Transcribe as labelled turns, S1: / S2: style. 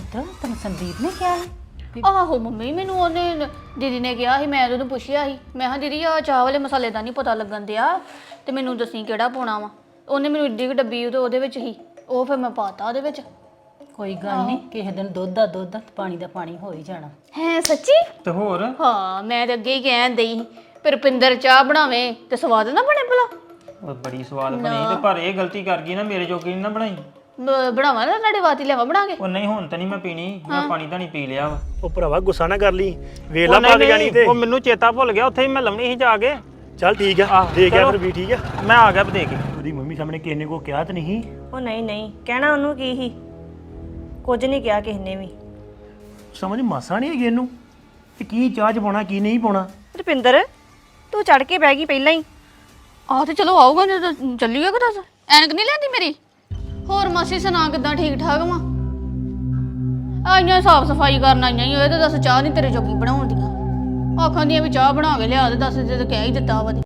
S1: ਪੁੱਤ ਤੈਨੂੰ ਸੰਦੀਪ ਨੇ ਕਿਹਾ ਸੀ
S2: ਆਹੋ ਮੰਮੀ ਮੈਨੂੰ ਉਹਨੇ ਦੀਦੀ ਨੇ ਕਿਹਾ ਸੀ ਮੈਂ ਉਹਨੂੰ ਪੁੱਛਿਆ ਸੀ ਮੈਂ ਕਿਹਾ ਦੀਦੀ ਆ ਚਾਹ ਵਾਲੇ ਮਸਾਲੇ ਦਾ ਨਹੀਂ ਪਤਾ ਲੱਗਣ ਦਿਆ ਤੇ ਮੈਨੂੰ ਦੱਸੀ ਕਿਹੜਾ ਪਾਉਣਾ ਵਾ ਉਹਨੇ ਮੈਨੂੰ ਏਡੀ ਕੁ ਡੱਬੀ ਉਹਦੇ ਵਿੱਚ ਹੀ ਉਹ ਫਿਰ ਮੈਂ ਪਾਤਾ ਉਹਦੇ ਵਿੱਚ
S1: ਕੋਈ ਗੱਲ ਨਹੀਂ ਕਿਸੇ ਦਿਨ ਦੁੱਧ ਦਾ ਦੁੱਧ ਤੇ ਪਾਣੀ ਦਾ ਪਾਣੀ ਹੋ ਹੀ ਜਾਣਾ
S2: ਹੈ ਸੱਚੀ
S3: ਤੇ ਹੋਰ
S2: ਹਾਂ ਮੈਂ ਤੇ ਅੱਗੇ ਹੀ ਕਹਿਣ ਦਈ ਪਰ ਰੁਪਿੰਦਰ ਚਾਹ ਬਣਾਵੇ ਤੇ ਸਵਾਦ ਨਾ ਬਣੇ ਭਲਾ
S3: ਉਹ ਬੜੀ ਸਵਾਦ ਬਣੀ ਤੇ ਪਰ ਇਹ ਗਲਤੀ ਕਰ ਗਈ ਨਾ ਮੇਰੇ ਜੋਗੀ ਨੀ ਨਾ ਬਣਾਈ
S2: ਬਣਾਵਾ ਨਾ ਤੁਹਾਡੇ ਵਾਤੀ ਲਿਆਵਾ ਬਣਾ ਕੇ
S3: ਉਹ ਨਹੀਂ ਹੁਣ ਤਾਂ ਨਹੀਂ ਮੈਂ ਪੀਣੀ ਮੈਂ ਪਾਣੀ ਤਾਂ ਨਹੀਂ ਪੀ ਲਿਆ ਵਾ
S4: ਉਹ ਭਰਾਵਾ ਗੁੱਸਾ ਨਾ ਕਰ ਲਈ ਵੇਲਾ ਪਾ ਕੇ ਜਾਣੀ ਤੇ
S3: ਉਹ ਮੈਨੂੰ ਚੇਤਾ ਭੁੱਲ ਗਿਆ ਉੱਥੇ ਹੀ ਮੈਂ ਲਾਉਣੀ ਸੀ ਜਾ ਕੇ
S4: ਚੱਲ ਠੀਕ ਆ ਦੇ ਗਿਆ ਫਿਰ ਵੀ ਠੀਕ ਆ
S3: ਮੈਂ ਆ ਗਿਆ ਦੇ ਕੇ
S4: ਉਹਦੀ ਮੰਮੀ ਸਾਹਮਣੇ ਕਿਸੇ ਨੇ ਕੋ ਕਿਹਾ ਤਾਂ ਨਹੀਂ
S5: ਉਹ ਨਹੀਂ ਨਹੀਂ ਕਹਿਣਾ ਉਹਨੂੰ ਕੀ ਸੀ ਕੁਝ ਨਹੀਂ ਕਿਹਾ ਕਿਸੇ ਨੇ ਵੀ
S4: ਸਮਝ ਮਾਸਾ ਨਹੀਂ ਹੈਗੀ ਇਹਨੂੰ ਕਿ ਕੀ ਚਾਹ ਚ ਪਾਉਣਾ ਕੀ ਨਹੀਂ ਪਾਉਣਾ
S5: ਰੁਪਿੰਦਰ ਤੂੰ ਚੜ ਕੇ ਬਹਿ ਗਈ ਪਹਿਲਾਂ ਹੀ
S2: ਆਹ ਤੇ ਚਲੋ ਆਊਗਾ ਜਦੋਂ ਚੱਲੀਏ ਕਿ ਦੱਸ ਐਨਕ ਨਹੀਂ ਲੈਂਦੀ ਮੇਰੀ ਹੋਰ ਮਾਸੀ ਸੁਣਾ ਕਿੱਦਾਂ ਠੀਕ ਠਾਕ ਵਾ ਆਈਆਂ ਸਾਫ ਸਫਾਈ ਕਰਨ ਆਈਆਂ ਹੀ ਹੋਏ ਤੇ ਦੱਸ ਚਾਹ ਨਹੀਂ ਤੇਰੇ ਜੋਗੀ ਬਣਾਉਣ ਦੀਆਂ ਆਖਾਂ ਦੀਆਂ ਵੀ ਚਾਹ ਬਣਾ ਕੇ ਲਿਆ ਤੇ ਦੱਸ ਤੇ ਕਹਿ ਹੀ ਦਿੱਤਾ ਵਾ